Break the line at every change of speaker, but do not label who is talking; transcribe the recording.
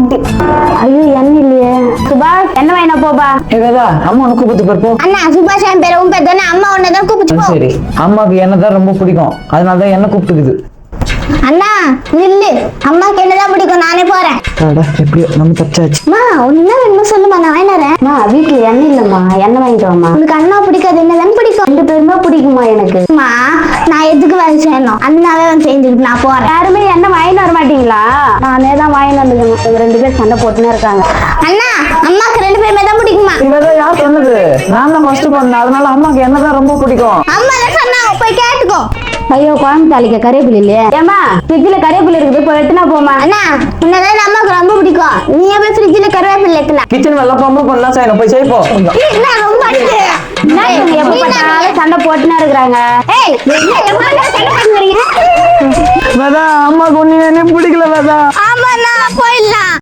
ஐயோ எண்ணெய் இல்லையே. சுபாஷ் என்ன வேணா போபா.
ஏதா அம்மா உனக்கு கூப்பிட்டு போறப்போ.
அண்ணா சுபாஷ் என் பேரு உன் பேர் தானே, அம்மா உன்னதான் கூப்பிட்டு போ.
சரி, அம்மாவுக்கு என்ன தான் ரொம்ப பிடிக்கும், அதனாலதான் என்ன கூப்பிட்டுக்குது.
அண்ணா நில்லு, அம்மாக்கு என்னதான் பிடிக்கும், நானே போறேன்.
எப்படியோ நம்ம தச்சாச்சு.
அம்மா உன்ன என்ன வேணுமோ சொல்லுமா, நான் வாங்கினறேன். அம்மா வீட்டுல எண்ணெய் இல்லம்மா, எண்ணெய் வாங்கிட்டு வாமா. உனக்கு அண்ணா பிடிக்காது, என்னதான் பிடிக்கும்? 2 பேருமே பிடிக்குமா எனக்கு. அம்மா நான் எதுக்கு வேலை செய்யணும், அண்ணாவே வந்து செஞ்சுக்கிட்டு நான் போறேன். யாருமே எண்ணெய் வாங்கிட்டு வர மாட்டீங்களா? நானே தான் வாங்கிட்டு வந்துக்கணும். இவங்க 2 பேர் சண்டை போட்டுனே இருக்காங்க. அண்ணா அம்மாக்கு 2 பேருமே தான் பிடிக்குமா?
இவதான் யார் சொன்னது? நான் தான் ஃபர்ஸ்ட் பண்ணேன், அதனால அம்மாக்கு என்னதான் ரொம்ப பிடிக்கும்.
அம்மா தான் சொன்னாங்க, போய் கேட்டுக்கோ. ஐயோ குழம்பு தாளிக்க கறிவேப்பிலை இல்லையே. ஏமா ஃப்ரிட்ஜில் கறிவேப்பிலை இருக்குது, போய் எடுத்துனா போமா. அண்ணா உன்னதான் அம்மாவுக்கு ரொம்ப பிடிக்கும், நீ போய் ஃப்ரிட்ஜில் கறிவேப்பிலை எடுத்துனா.
கிச்சன் வெள்ள பொம்பு பண்ணலாம் செய்யணும், போய் செய்ப்போம்.
எப்ப பார்த்தாலும் சண்டை போட்டுனா இருக்கிறாங்க.
அம்மாக்கு ஒண்ணு பிடிக்கல.